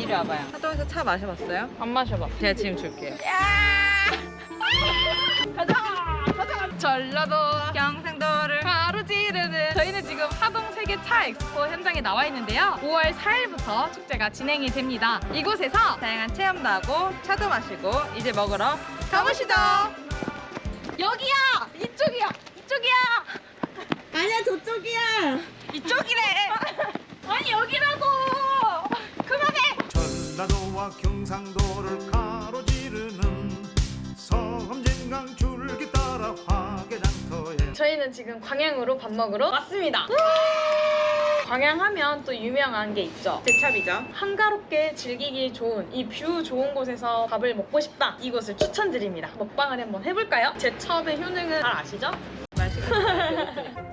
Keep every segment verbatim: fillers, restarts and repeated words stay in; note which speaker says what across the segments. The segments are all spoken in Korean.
Speaker 1: 이리 와봐요. 하동에서 차 마셔봤어요? 안 마셔봐. 제가 지금 줄게요. 가자! 가자! 전라도 경상도를 가로지르는 저희는 지금 하동 세계 차 엑스포 현장에 나와 있는데요. 오월 사일부터 축제가 진행이 됩니다. 이곳에서 다양한 체험도 하고 차도 마시고 이제 먹으러 가보시죠. 여기야! 이쪽이야! 이쪽이야!
Speaker 2: 아니야 저쪽이야.
Speaker 1: 이쪽이래! 아니 여기라고! 그만해!
Speaker 3: 전라도와 경상도를 가로지르는 섬진강 줄기 따라 화개장터에
Speaker 4: 저희는 지금 광양으로 밥 먹으러 왔습니다. 광양하면 또 유명한 게 있죠.
Speaker 1: 제첩이죠.
Speaker 4: 한가롭게 즐기기 좋은 이 뷰 좋은 곳에서 밥을 먹고 싶다. 이곳을 추천드립니다. 먹방을 한번 해볼까요? 제첩의 효능은 잘 아시죠?
Speaker 1: 맛있겠다.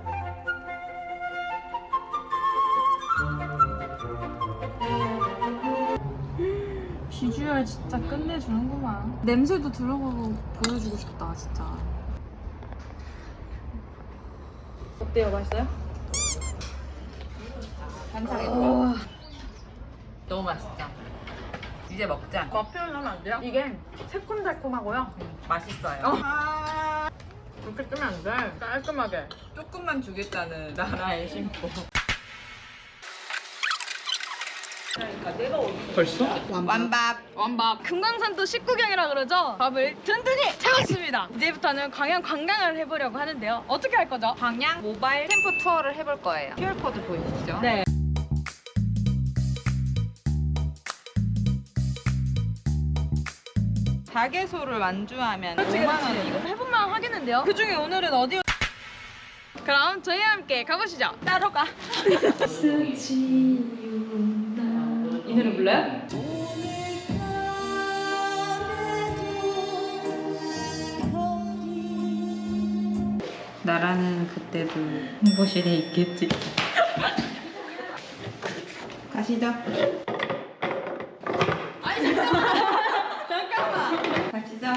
Speaker 4: 비주얼 진짜 끝내주는구만. 냄새도 들어보고 보여주고 싶다 진짜. 어때요? 맛있어요?
Speaker 1: 한상에
Speaker 4: 와.
Speaker 1: 너무 맛있죠? 이제 먹자.
Speaker 4: 맛 표현하면 안 돼요? 이게 새콤달콤하고요.
Speaker 1: 음, 맛있어요.
Speaker 4: 이렇게 뜨면 안 돼. 깔끔하게.
Speaker 1: 조금만 주겠다는 나라의 심보. 그러니까 내가 어디 벌써? 완밥.
Speaker 4: 완밥. 금강산도 식구경이라 그러죠? 밥을 든든히 채웠습니다. 이제부터는 광양 관광을 해보려고 하는데요. 어떻게 할 거죠?
Speaker 1: 광양 모바일 캠프 투어를 해볼 거예요. 큐알코드 보이시죠?
Speaker 4: 네.
Speaker 1: 자개소를 완주하면
Speaker 4: 그렇지,
Speaker 1: 오만
Speaker 4: 그렇지.
Speaker 1: 원 이거.
Speaker 4: 해볼만 하겠는데요? 그 중에 오늘은 어디? 그럼 저희와 함께 가보시죠. 따로 가. 이 노래 불러요?
Speaker 1: 나라는 그때도 홍보실에 있겠지. 가시죠.
Speaker 4: 아니 잠깐만. 잠깐만.
Speaker 1: 가시죠.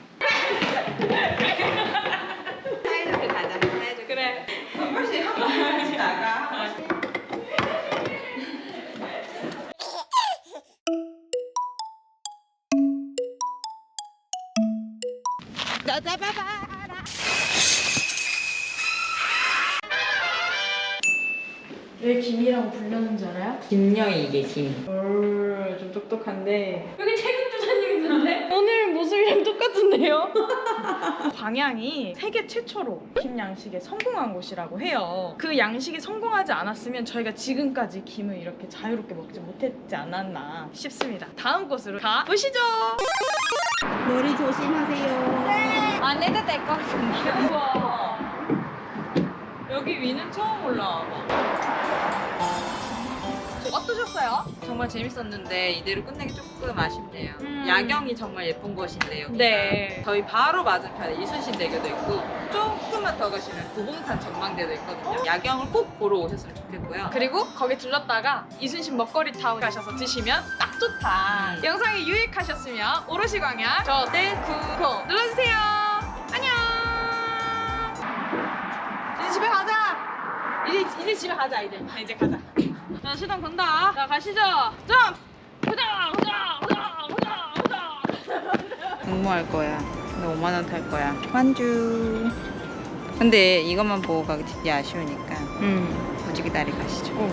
Speaker 1: 사이좋게 가자. 사이좋게.
Speaker 4: 그래.
Speaker 1: 홍보실 한 번 같이 나가. 짜자바바라.
Speaker 4: 왜 김이라고 불렸는지 알아요?
Speaker 1: 김영이 이게 김.
Speaker 4: 오, 좀 똑똑한데. 여기 책임주사님 있는데? 오늘 모습이랑 똑같은데요? 광양이 세계 최초로 김 양식에 성공한 곳이라고 해요. 그 양식이 성공하지 않았으면 저희가 지금까지 김을 이렇게 자유롭게 먹지 못했지 않았나 싶습니다. 다음 곳으로 가보시죠.
Speaker 2: 머리 조심하세요.
Speaker 1: 안 해도 될 것 같은데.
Speaker 4: 우와.
Speaker 1: 여기 위는 처음 올라와봐.
Speaker 4: 어떠셨어요?
Speaker 1: 정말 재밌었는데 이대로 끝내기 조금 아쉽네요.
Speaker 4: 음.
Speaker 1: 야경이 정말 예쁜 곳인데 여기가.
Speaker 4: 네.
Speaker 1: 저희 바로 맞은편에 이순신대교도 있고 조금만 더 가시면 구봉산 전망대도 있거든요. 야경을 꼭 보러 오셨으면 좋겠고요.
Speaker 4: 그리고 거기 들렀다가 이순신 먹거리 타운 가셔서 드시면 딱 좋다. 영상이 유익하셨으면 오롯이 광양 저대 구독 눌러주세요. 안녕. 이제 집에 가자. 이제 이제 집에 가자 이제. 아, 이제 가자. 자 시동 건다. 자 가시죠. 점. 가자 가자 가자 가자 가자.
Speaker 1: 응모할 거야. 근데 오만 원 탈 거야. 완주. 근데 이것만 보고 가기 되게 아쉬우니까
Speaker 4: 음.
Speaker 1: 무지개 다리 가시죠.
Speaker 4: 오.